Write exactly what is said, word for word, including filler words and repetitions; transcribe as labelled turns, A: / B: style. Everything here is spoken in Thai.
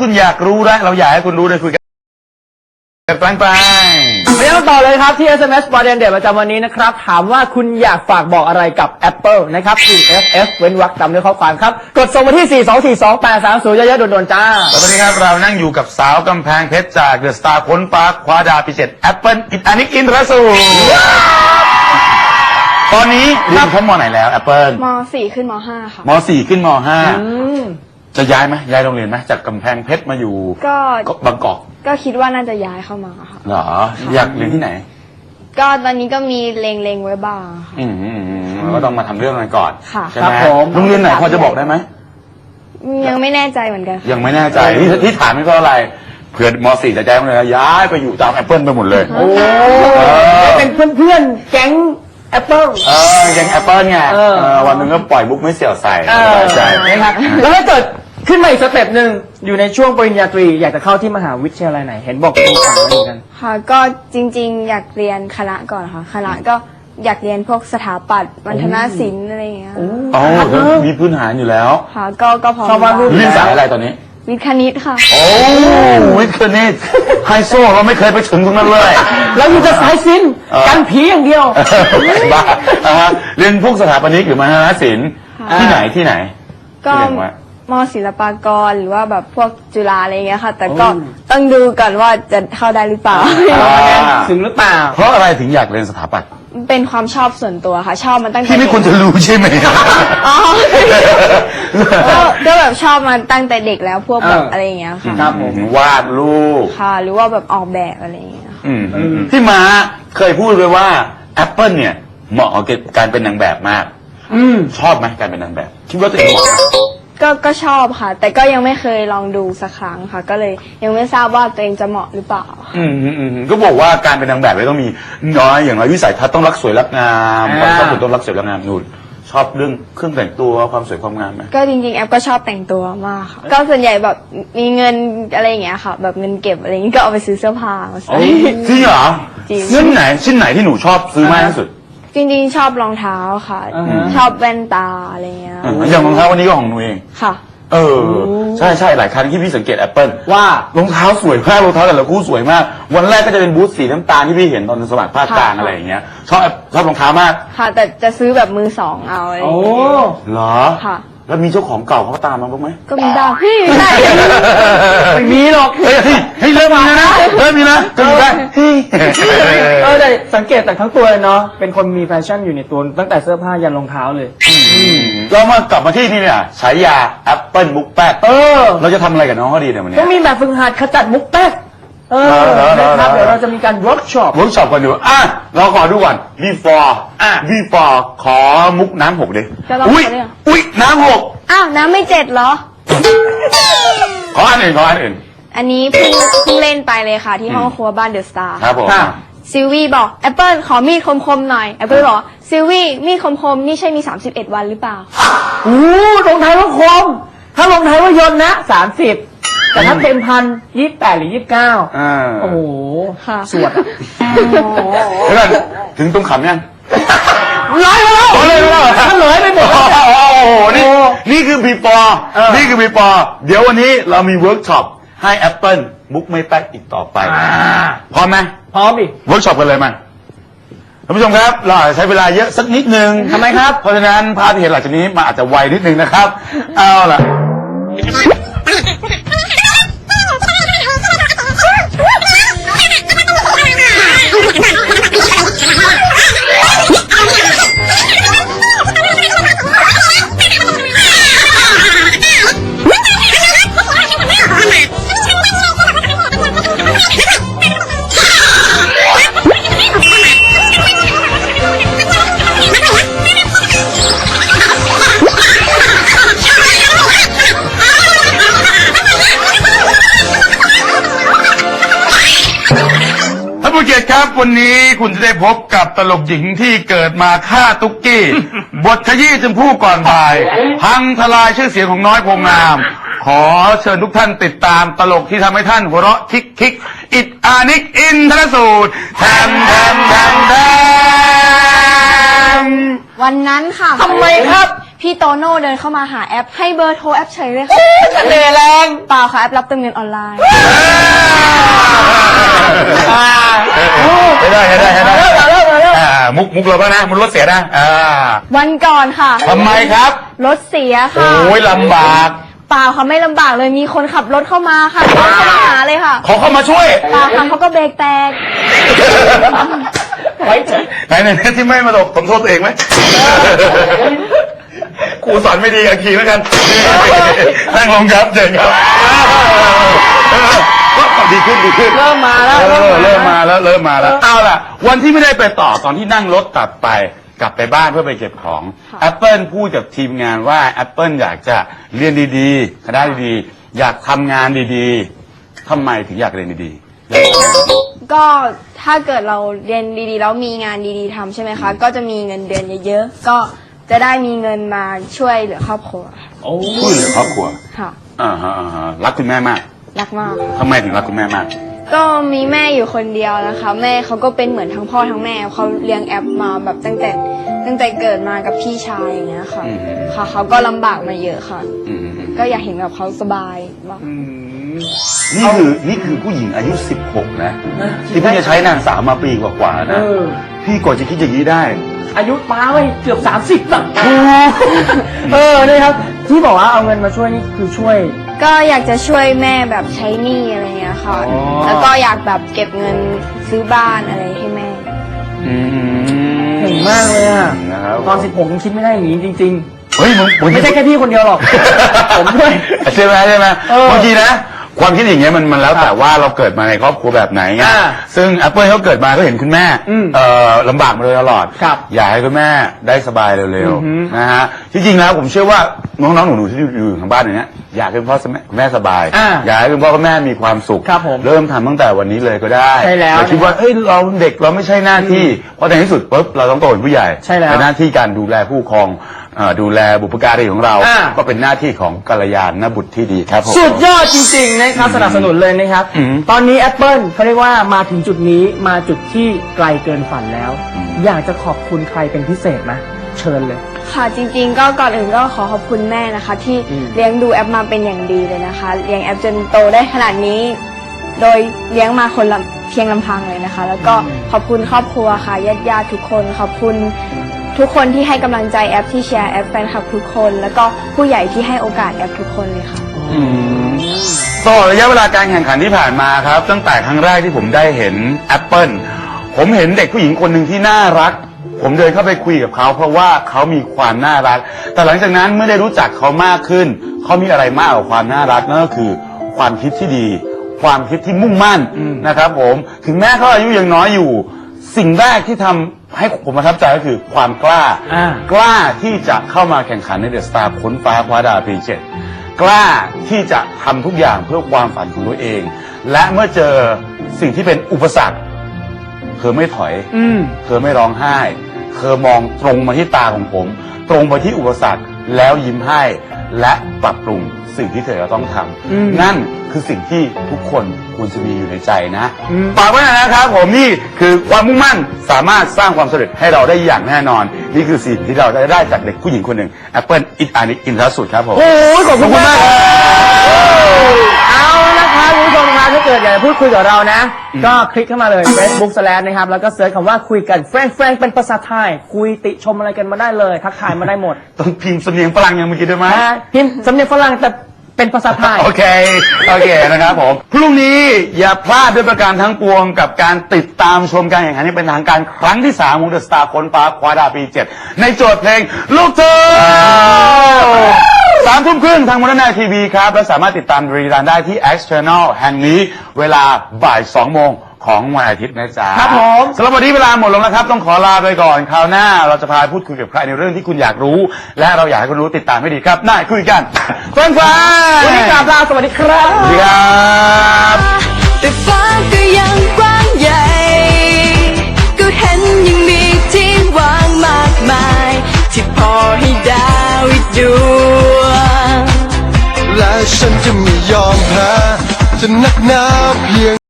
A: คุณอยากรู้และเราอยากให้คุณรู้เลยคุยกันกับแปลงแปลง
B: ไปกันต่อเลยครับที่ เอส เอ็ม เอส ประเด็นเด็ดประจำวันนี้นะครับถามว่าคุณอยากฝากบอกอะไรกับ Apple นะครับพิมพ์ เอฟ เอฟ เว้นวรรคตามด้วยข้อความครับกดส่งมาที่ สี่สองสี่สองแปดสามศูนย์ เยอะๆโดนๆจ้า
A: แล้วตอนนี้ครับเรานั่งอยู่กับสาวกำแพงเพชรจากเดอะสตาร์พ้นฟ้าคว้าดาวพิเศษ Apple อิตานิกอินทรสูรตอนนี้เรียนชั้นม.ไหนแล้ว Apple
C: ม.สี่ ขึ้นม.ห้า ค่ะ
A: ม.สี่ ขึ้นม.ห้า จะย้ายไหมย้ายโรงเรียนไหมจากกำแพงเพชรมาอยู่ก็บางกอก
C: ก็คิดว่าน่าจะย้ายเข้ามาค่ะ
A: เหรออยากเรียนที่ไหน
C: ก็ตอนนี้ก็มีเลงเลงไว้บ้างค่ะ
A: อืมก็ต้องมาทำเรื่องกันก่อน
C: ค่ะ
A: ใช่ไหมโรงเรียนไหนพอจะบอกได้ไหม
C: ยังไม่แน่ใจเหมือนกัน
A: ยังไม่แน่ใจที่ที่ถามนี่ก็อะไรเพื่อนม.สี่ จะย้ายโรงเรียนย้ายไปอยู่ตาม Apple ไปหมดเลยโอ้
B: เป็นเพื่อนๆแก๊งApple
A: เออแก๊ง Apple ไงวันนึงก็ปล่อยมุกไม่เสี่ยวใส่
B: ใช่นะครับแล้วถ้าเกิดขึ้นมาอีกสเต็ปหนึ่งอยู่ในช่วงปริญญาตรีอยากจะเข้าที่มหาวิทยาลัยไหนเห็นบอกเป็นฝันเหมือนกัน
C: ค่ะก็จริงๆอยากเรียนคณะก่อนค่ะคณะก็อยากเรียนพวกสถาปัตย์มัณฑนศิลป์อะไรอย่างเงี้ย
A: อ๋อมีพื้นฐานอยู่แล้ว
C: ค่ะก็ก็พอ
A: เรียนสายอะไรตอนนี้
C: วิทย์คณิตค่ะ
A: โอ้วิทย์คณิตไฮโซเราไม่เคยไปถึงตรงนั้นเลย
B: เราอยู่แต่สายศิลป์กันผีอย่างเดียว
A: บ้าเรียนพวกสถาปนิกหรือมหาศิลป์ที่ไหนที่ไหน
C: ก็ม.ศิลปากรหรือว่าแบบพวกจุฬาอะไรเงี้ยค่ะแต่ก็ต้องดูก่อนว่าจะเข้าได้หรือเปล่า
B: ถึงหรือเปล่า
A: เพราะอะไรถึงอยากเรียนสถาปัตย์
C: เป็นความชอบส่วนตัวค่ะชอบมันตั้งแต่
A: ที่ไม่ควรจะรู้ใช่ไหม
C: อ๋อก็แบบชอบมันตั้งแต่เด็กแล้วพวกแบบอะไรอย่างเงี้ยค่ะ
A: ครับผมวาดรูป
C: ค่ะหรือว่าแบบออกแบบอะไรอย่างเงี้ย
A: พี่ม้าเคยพูดเลยว่า Apple เนี่ยเหมาะกับการเป็นนางแบบมากชอบไหมการเป็นนางแบบคิดว่าตัวเองเหมาะ
C: ก็ก็ชอบค่ะแต่ก็ยังไม่เคยลองดูสักครั้งค่ะก็เลยยังไม่ทราบว่าตัวเองจะเหมาะหรือเปล่า
A: อืมอืมก็บอกว่าการเป็นนางแบบไม่ต้องมีน้อยอย่างไรวิสัยทัศน์ต้องรักสวยรักงามความชอบส่วนตัวรักสวยรักงามนู่นชอบเรื่องเครื่องแต่งตัวความสวยความงามไหม
C: ก็จริงๆแอปก็ชอบแต่งตัวมากค่ะก็ส่วนใหญ่แบบมีเงินอะไรอย่างเงี้ยค่ะแบบเงินเก็บอะไรอย่างงี้ก็เอาไปซื้อเสื้อผ้ามาใส่
A: จริงเหรอชิ้นไหนชิ้นไหนที่หนูชอบซื้อมากที่สุด
C: จริงๆชอบรองเท้าค่ะชอบแว่นตาอะไรเงี้ย
A: อย่างรองเท้าวันนี้ก็ของหนูเอง
C: ค่ะ
A: เออใช่ใช่หลายครั้งที่พี่สังเกต Apple
B: ว่าร
A: องเท้าสวยมากรองเท้าแต่ละคู่สวยมากวันแรกก็จะเป็นบูทสีน้ำตาลที่พี่เห็นตอนสมัครภาคกลางอะไรอย่างเงี้ยชอบชอบรองเท้ามาก
C: ค่ะแต่จะซื้อแบบมือสองเอาอะไรอย่างเงี้
A: ยเหรอ
C: ค่ะ
A: แล้วมีเจ้าของเก่าเขาตามมาบ้างไหม
C: ก็มีบ้างพี่ไม่ได้
B: ไม่มีหรอก
A: เฮ้ยเฮ้ยเริ่มมีแล้วนะเริ่มมีนะก็มีได้
B: เออแต่สังเกตแต่ทั้งตัวเลยเนาะเป็นคนมีแฟชั่นอยู่ในตัวตั้งแต่เสื้อผ้ายันรองเท้าเลย
A: เรามากลับมาที่นี่เนี่ยฉายา Apple มุกแป๊กเออเราจะทำอะไรกับน้องเขาดีเนี่ยวันนี้
B: ก็มีแบบฝึกหัดขจัดมุกแป๊กเออนะครับเดี๋ยวเราจะมีการเวิร์กช็อป
A: เวิร์กช็อปกันดูอ่ะเราขอดูก่อน before อ่ะ before ขอมุกน้ำหกดิอุ้ยอุ้ยน้ำหก
C: อ้าวน้ำไม่เจ็ดเหรอ
A: ขออันอื่นขออันอื่น
C: อันนี้เพิ่งเพิ่งเล่นไปเลยค่ะที่ห้องครัวบ้านเดอะสตาร์
A: ครับผม
C: ซิลวี่บอกแอปเปิลขอมีดคมๆหน่อยแอปเปิลบอกซิลวี่มีดคมๆนี่ใช่มีสามสิบเอ็ดวันหรือเปล่า
B: โอ้รองเท้าคมถ้ารองเท้ายนต์นะสามสิบแต่ถ้าเต็มพันยี่สิบแปดหรือยี่สิบเก้าโอ้โหสวด
A: แล้วถึงตรงขำยัง
B: ร้อยแล้ว
A: เลยแล้ว
B: มันเลยไปหมด
A: โอ้โหนี่นี่คือ before นี่คือ before เดี๋ยววันนี้เรามีเวิร์กช็อปให้ Apple มุกไม่แป๊กอีกต่อไปพร้อมไหม
B: พร้อมดิ
A: เวิร์กช็อปกันเลยมั้ยท่านผู้ชมครับเราใช้เวลาเยอะสักนิดนึง
B: ทำไมครับ
A: เพราะฉะนั้นภาพที่เห็นหลังจากนี้มาอาจจะไวนิดนึงนะครับเอาล่ะครับวันนี้คุณจะได้พบกับตลกหญิงที่เกิดมาฆ่าตุ๊กกี้บทขยี้จนผู้ก่อนบ่ายพังทลายชื่อเสียงของน้อยโพงามขอเชิญทุกท่านติดตามตลกที่ทำให้ท่านหัวเราะคิกคิกอิดอานิกอินทรสูตรแทมแทมแทมแทม
C: วันนั้นค่ะ
B: ทำไมครับ
C: พี่โตโน่เดินเข้ามาหาแอปให้เบอร์โทรแอปเฉยเลยค่ะ
B: เสน่ห์แรง
C: เปล่าค่ะแอปรับเติมเงินออนไลน์
A: ไม่ได้ไม่ได้ไม่ได้
B: เริ่มเริ่มเริ่ม
A: อ่ามุกมุกเราบ้างนะมุกรถเสียนะอ่า
C: วันก่อนค่ะ
A: ทำไมครับ
C: รถเสีย
A: โอ้
C: ค่ะ
A: ยลำบาก
C: เปล่าค่ะไม่ลำบากเลยมีคนขับรถเข้ามาค่ะรถเข้ามาหาเลยค่ะ
A: ขอเข้ามาช่วย
C: เปล่าค่ะเขาก็เบรกแตก
B: ไว้เถอะ
A: ไหนไหนที่ไม่มาตกผมโทษตัวเองไหมครูสอนไม่ดีอะขี่แล้วกันนั่งลงครับเจ๋งครับก็ดีขึ้นดีขึ้น
B: เริ่มมาแล้ว
A: เออเริ่มมาแล้วเริ่มมาแล้วเอาล่ะ วันที่ไม่ได้ไปต่อตอนที่นั่งรถกลับไปกลับไปบ้านเพื่อไปเก็บของ
C: ค่ะ
A: Apple พูดกับทีมงานว่า Apple อยากจะเรียนดีๆคณะดีๆอยากทำงานดีๆทำไมถึงอยากเรียนดีๆ
C: ก็ถ้าเกิดเราเรียนดีๆแล้วมีงานดีๆทำใช่ไหมคะ ก็จะมีเงินเดือนเยอะๆก็จะได้มีเงินมาช่วยเหลือครอบครัว
B: โอ้
A: ช่วยเหลือครอบครัว
C: ค่ะ
A: อ่าฮะอ่าฮะรักคุณแม่มาก
C: รักมาก
A: ทำไมถึงรักคุณแม่มาก
C: ก็มีแม่อยู่คนเดียวนะคะ แม่เขาก็เป็นเหมือนทั้งพ่อทั้งแม่เขาเลี้ยงแอปมาแบบตั้งแต่ตั้งแต่เกิดมากับพี่ชายอย่างเงี้ยค่ะ
A: อืม
C: ค่ะเขาก็ลำบากมาเยอะค่ะ
A: อืมอืมอืม
C: ก็อยากเห็นแบบเขาสบายบ้าง
A: นี่คือนี่คือผู้หญิงอายุสิบหกนะ ที่เพิ่งจะใช้นางสาวมาปีกว่าๆ
B: เอ
A: นะ
B: อ
A: พี่กว่าจะคิดอย่างนี้ได้
B: อายุป้าไว้เกือบสามสิบอ่ะเออนี่ครับ ที่บอกว่าเอาเงินมาช่วยนี่คือช่วย
C: ก็อยากจะช่วยแม่แบบใช้หนี้อะไรเงี้ยค่ะ
B: อ๋อ
C: แล้วก็อยากแบบเก็บเงินซื้อบ้านอะไรให้แม่
A: อืม
B: เก่งมากเลยอ่ะ
A: นะครับ
B: ตอนสิบหกยังคิดไม่ได้อย่างนี้จริง
A: เฮ้ยมึงมึง
B: ๆ ไม่ใช่แค่พี่คนเดียวหรอก ผมด้วย
A: ใช่ไหมใช่ไหม
B: เออบ
A: างทีนะ ความคิดอย่างเงี้ยมันมันแล้วแต่ว่าเราเกิดมาในครอบครัวแบบไหนไง
B: อ่า
A: ซึ่ง Apple เขาเกิดมาก็เห็นคุณแม่
B: อืม
A: เอ่อลำบากมาโดยตลอด
B: ครับ
A: อยากให้คุณแม่ได้สบายเร็ว
B: อือหือ
A: ๆนะฮะที่จริงแล้วผมเชื่อว่าน้องๆหนูๆที่อยู่ทางบ้านอย่างเนี้ยอยากให้คุณพ่อคุณแม่สบาย
B: อ่า
A: อยากให้คุณพ่อคุณแม่มีความสุข
B: ครับผม
A: เริ่มทำตั้งแต่วันนี้เลยก็ได้
B: ใช่แล้ว
A: อย่าคิดว่าเอ้ยเราเด็กเราไม่ใช่หน้าที่เพราะในที่สุดปุ๊บเราต้องโตเป็นผู้ใหญ่
B: ใช่แล้ว
A: เป็นหน้าที่การดูแลผู้ปกครองเอ่อดูแลบุพการีของเรา
B: อ่า
A: ก็เป็นหน้าที่ของกัลยาณบุตรที่ดีครับผม
B: สุดยอดจริงๆนะครับสนับสนุนเลยนะครับ
A: อืม
B: ตอนนี้ Apple เขาเรียกว่ามาถึงจุดนี้มาจุดที่ไกลเกินฝันแล้ว
A: อืม
B: อยากจะขอบคุณใครเป็นพิเศษไหมเชิญเลย
C: ค่ะจริงๆ ก็ก่อนอื่นก็ขอขอบคุณแม่นะคะ ที่
B: อืม
C: เลี้ยงดูแอปมาเป็นอย่างดีเลยนะคะ เลี้ยงแอปจนโตได้ขนาดนี้ โดยเลี้ยงมาคนละเพียงลำพังเลยนะคะ แล้วก็ขอบคุณครอบครัวค่ะญาติญาติๆทุกคน ขอบคุณทุกคนที่ให้กำลังใจแอปที่แชร์แอปแฟนคลับทุกคน แล้วก็ผู้ใหญ่ที่ให้โอกาสแอปทุกคนเลยค่ะ
A: อืมตลอดระยะเวลาการแข่งขันที่ผ่านมาครับ ตั้งแต่ครั้งแรกที่ผมได้เห็น Apple ผมเห็นเด็กผู้หญิงคนหนึ่งที่น่ารัก ผมเดินเข้าไปคุยกับเขาเพราะว่าเขามีความน่ารัก แต่หลังจากนั้นเมื่อได้รู้จักเขามากขึ้น เขามีอะไรมากกว่าความน่ารักนั่นก็คือ ความคิดที่ดี ความคิดที่มุ่งมั่น
B: อืม
A: นะครับผมถึงแม้เขาอายุยังน้อยอยู่ สิ่งแรกที่ทำให้ผมประทับใจก็คือความกล้า
B: อ่า
A: กล้าที่จะเข้ามาแข่งขันในเดอะสตาร์ค้นฟ้าคว้าดาวปีเจ็ดกล้าที่จะทำทุกอย่างเพื่อความฝันของตัวเอง และเมื่อเจอสิ่งที่เป็นอุปสรรคเธอไม่ถอย
B: อืม
A: เธอไม่ร้องไห้ เธอมองตรงมาที่ตาของผม ตรงไปที่อุปสรรคแล้วยิ้มให้ และปรับปรุงสิ่งที่เธอจะต้องท
B: อืม
A: ำนั่นคือสิ่งที่ทุกคนควรจะมีอยู่ในใจนะ
B: อืม
A: ฝากไว้นะครับผมนี่คือความมุ่งมั่นสามารถสร้างความสำเร็จให้เราได้อย่างแน่นอน นี่คือสิ่งที่เราจะได้จากเด็กผู้หญิงคนหนึ่ง Apple อินอานิอินทรสุดครับผม
B: โอ้ยขอบคุณ
A: ขอบคุณ
B: มาก
A: มาก
B: เอาละนะครับคุณผู้ชมครับถ้าเกิดอยากจะพูดคุยกับเรานะ ก็คลิกเข้ามาเลย Facebook slash นะครับ แล้วก็เสิร์ชคำว่าคุยกันแฟรงแฟรงเป็นภาษาไทย คุยติชมอะไรกันมาได้เลย ทักทายมาได้หมด
A: ต้องพิมพ์สำเนียงฝรั่งอย่างเมื่อกี้ด้วยไหม
B: นะพิมพ์สำเนียงฝรั่งแต่เป็นภาษาไทย
A: โอเค โอเคนะครับผม พรุ่งนี้อย่าพลาดด้วยประการทั้งปวงกับการติดตามชมการแข่งขันที่เป็นทางการครั้งที่สามของเดอะสตาร์ค้นฟ้าคว้าดาวปีเจ็ดในโจทย์เพลงลูกเธอสามทุ่มครึ่งทางมรณะทีวีครับ และสามารถติดตามรีรันได้ที่ X Channel แห่งนี้เวลาบ่ายสองโมงของวันอาทิตย์นะจ๊ะ
B: ครับผม
A: สำหรับวันนี้เวลาหมดลงแล้วครับ ต้องขอลาไปก่อนคราวหน้า เราจะพาพูดคุยกับใครในเรื่องที่คุณอยากรู้ และเราอยากให้คุณรู้ติดตามให้ดีครับได้คุยกันเพื่อนฟ้า
B: วันนี้กราบลาสวัสดีครับ
A: สวัสดีครับ
D: แต่ฟ้าก็ยังกว้างใหญ่ ก็เห็นยังมีที่ว่างมากมาย ที่พอให้ดาวอีกดวง
E: และฉันจะไม่ยอมแพ้จะนักหนาเพียง